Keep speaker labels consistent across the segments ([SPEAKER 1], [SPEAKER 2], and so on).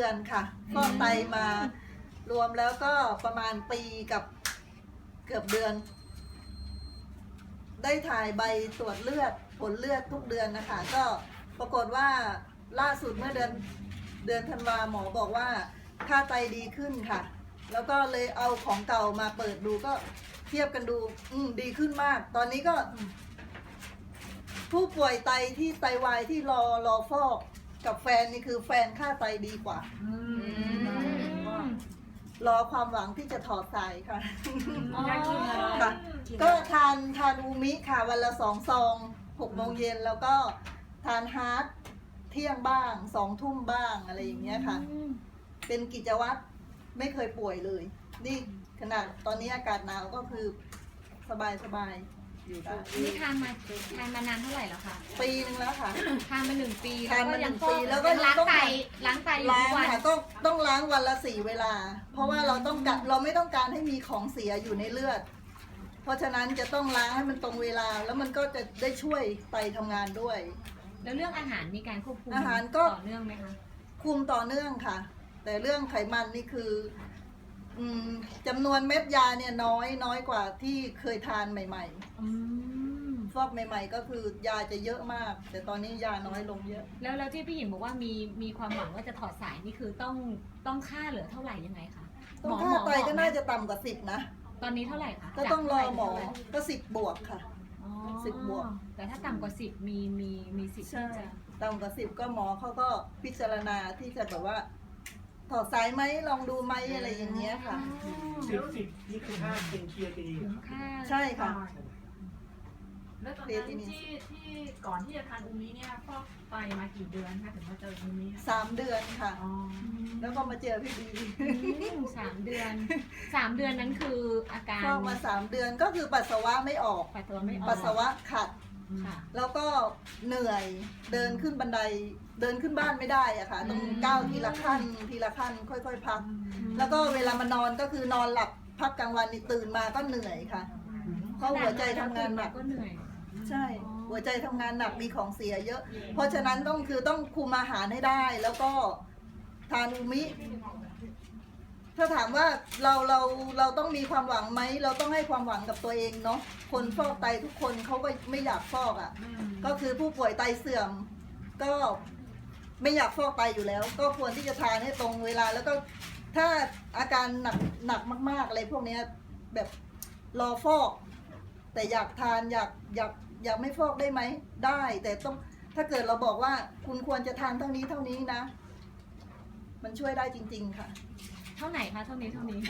[SPEAKER 1] ดือนค่ะฟอกไตมารวมแล้วก็ประมาณปีกับเกือบเดือน ได้ถ่ายใบตรวจเลือดผลเลือดทุกเดือนนะคะก็ปรากฏว่าล่าสุดเมื่อเดือนธันวาหมอบอกว่าค่าไตดีขึ้นค่ะ แล้วก็เลยเอาของเก่ามาเปิดดูก็เทียบกันดูดีขึ้นมาก ตอนนี้ก็ผู้ป่วยไตที่ไตวายที่รอฟอกกับแฟนนี่คือแฟนค่าไตดีกว่ารอความหวังที่จะถอดสายค่ะค่ะก็ทานอูมิค่ะวันละ2 ซอง6 โมงเย็นแล้วก็ทานฮาร์ดเที่ยงบ้าง2 ทุ่มบ้างอะไรอย่างเงี้ยค่ะเป็นกิจวัตรไม่เคยป่วยเลยนี่ขนาดตอนนี้อากาศหนาวก็คือสบายอยู่ได้
[SPEAKER 2] นี่ทานมานานเท่าไหร่แล้วคะ
[SPEAKER 1] ปีนึงแล้วค่ะ
[SPEAKER 2] ทานมา1 ปี
[SPEAKER 1] ทานมา
[SPEAKER 2] ยั
[SPEAKER 1] 1 ปีแล้วก็
[SPEAKER 2] ล้าง
[SPEAKER 1] ต้อง
[SPEAKER 2] ไตอยู่
[SPEAKER 1] ล้าง
[SPEAKER 2] ทุกวัน
[SPEAKER 1] ค่ะต้องล้างวันละ4 เวลา เพราะว่าเราไม่ต้องการให้มีของเสียอยู่ในเลือด เพราะฉะนั้นจะต้องล้างให้มันตรงเวลาแล้วมันก็จะได้ช่วยไตทำงานด้วย
[SPEAKER 2] แล้วเรื่องอาหารมีการควบคุม
[SPEAKER 1] อาหารก็
[SPEAKER 2] ต่อเนื่องไหมคะ
[SPEAKER 1] คุมต่อเนื่องค่ะ แต่เรื่องไขมันนี่คือจำนวนเม็ดยาเนี่ยน้อยกว่าที่เคยทานใหม่ๆฟอกใหม่ๆก็คือยาจะเยอะมาก แต่ตอนนี้ยาน้อยลงเยอะ
[SPEAKER 2] แล้วที่พี่หญิงบอกว่ามีความหวังว่าจะถอดสายนี่คือต้องค่าเหลือเท่าไหร่ยังไงคะ
[SPEAKER 1] ต้องค่าไตก็น่าจะต่ำกว่า10นะ
[SPEAKER 2] ตอนนี้เท่าไหร่คะ
[SPEAKER 1] ก็ต้องรอหมอ
[SPEAKER 2] จากเท่าไหร่
[SPEAKER 1] ก็10 บวกค่ะ
[SPEAKER 2] อ๋อ
[SPEAKER 1] 10 บวก
[SPEAKER 2] แต่ถ้าต่ำกว่า10มีสิทธิ์
[SPEAKER 1] ใช่
[SPEAKER 2] ที่จะ
[SPEAKER 1] ต่ำกว่า10ก็หมอเขาก็พิจารณาที่จะแบบว่าถอดสายไหมลองดูไหมอะไรอย่างเงี้ยค่ะ
[SPEAKER 3] 10นี่คือค่าเป็นเคลียร์ดีเหรอ
[SPEAKER 2] ค่า
[SPEAKER 1] ใช่ค่ะ
[SPEAKER 4] แล้วตอนนั้นที่ก่อนที่จะทานอูมิเนี่ยฟอกไตมากี่เดือนคะถึงมาเจออูมิ
[SPEAKER 1] 3 เดือนค่ะ
[SPEAKER 4] อ๋อ
[SPEAKER 1] แล้วก็มาเจอพี่ดี
[SPEAKER 2] 3 เดือน 3 เดือนนั้นคืออาการ
[SPEAKER 1] ฟอกมา3 เดือนก็คือปัสสาวะไม่ออก
[SPEAKER 2] ปัสสาวะไม่ออก
[SPEAKER 1] ปัสสาวะขัด
[SPEAKER 2] ค่ะ
[SPEAKER 1] แล้วก็เหนื่อยเดินขึ้นบันไดเดินขึ้นบ้านไม่ได้อะค่ะต้องก้าวทีละขั้นค่อยๆพัก แล้วก็เวลามานอนก็คือนอนหลับพักกลางวันนี่ตื่นมาก็เหนื่อยค่ะ เพราะหัวใจทำงานหนัก
[SPEAKER 2] ก็เหนื่อย
[SPEAKER 1] ใช่ หัวใจทำงานหนักมีของเสียเยอะ เพราะฉะนั้นต้องคุมอาหารให้ได้ แล้วก็ทานอูมิ ถ้าถามว่าเราต้องมีความหวังไหมเราต้องให้ความหวังกับตัวเองเนาะคนฟอกไตทุกคนเขาก็ไม่อยากฟอกอ่ะ ก็คือผู้ป่วยไตเสื่อม ก็ไม่อยากฟอกไตอยู่แล้ว ก็ควรที่จะทานให้ตรงเวลา แล้วก็ถ้าอาการหนักมากๆอะไรพวกเนี้ยแบบรอฟอก แต่อยากทานอยากไม่ฟอกได้ไหมได้ แต่ต้องถ้าเกิดเราบอกว่าคุณควรจะทานเท่านี้นะ มันช่วยได้จริงๆค่ะ
[SPEAKER 2] เท่าไหนคะเท่านี้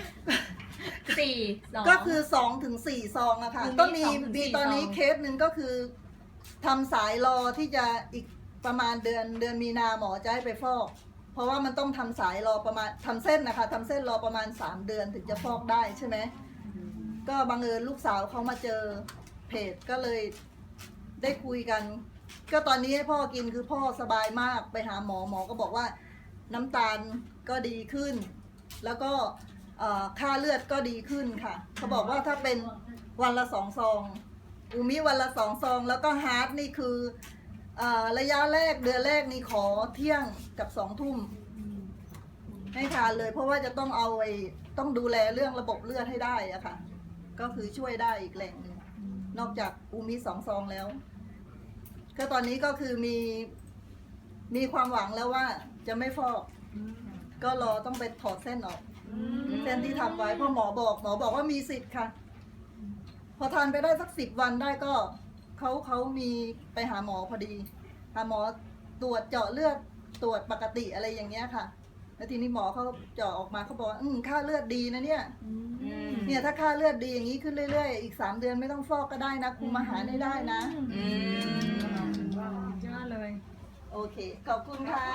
[SPEAKER 2] 4 2
[SPEAKER 1] ก็คือ2 ถึง 4 ซองอะค่ะ
[SPEAKER 2] คือมี
[SPEAKER 1] ก็
[SPEAKER 2] 2 ถึง
[SPEAKER 1] มี
[SPEAKER 2] 4
[SPEAKER 1] ตอนนี้
[SPEAKER 2] ซอง
[SPEAKER 1] เคสหนึ่งก็คือทำสายรอที่จะอีกประมาณเดือนมีนาหมอจะให้ไปฟอก เพราะว่ามันต้องทำสายรอประมาณทำเส้นนะคะทำเส้นรอประมาณ3 เดือนถึงจะฟอกได้ใช่ไหมก็บังเอิญลูกสาวเขามาเจอเพจก็เลยได้คุยกัน ก็ตอนนี้ให้พ่อกินคือพ่อสบายมากไปหาหมอก็บอกว่าน้ำตาลก็ดีขึ้น แล้วก็ค่าเลือดก็ดีขึ้นค่ะเขาบอกว่าถ้าเป็นวันละ2 ซองอูมิวันละ2 ซองแล้วก็ฮาร์ดนี่คือระยะแรกเดือนแรกนี่ขอเที่ยงกับ2 ทุ่มให้ทานเลย เพราะว่าจะต้องดูแลเรื่องระบบเลือดให้ได้อะค่ะก็คือช่วยได้อีกแหล่งหนึ่งนอกจากอูมิ2 ซองแล้วก็ตอนนี้ก็คือมีความหวังแล้วว่าจะไม่ฟอกก็รอต้องไปถอดเส้นออกเส้นที่ทำไว้เพราะหมอบอกว่ามีสิทธิ์ค่ะ พอทานไปได้สัก10 วันได้ก็เขามีไปหาหมอพอดีหาหมอตรวจเจาะเลือดตรวจปกติอะไรอย่างเงี้ยค่ะแล้วทีนี้หมอเขาเจาะออกมาเขาบอกว่าค่าเลือดดีนะเนี่ยถ้าค่าเลือดดีอย่างนี้ขึ้นเรื่อยๆอีก3 เดือนไม่ต้องฟอกก็ได้นะคุมอาหารให้ได้นะ
[SPEAKER 2] ยอดเลย
[SPEAKER 1] โอเคขอบคุณค่ะ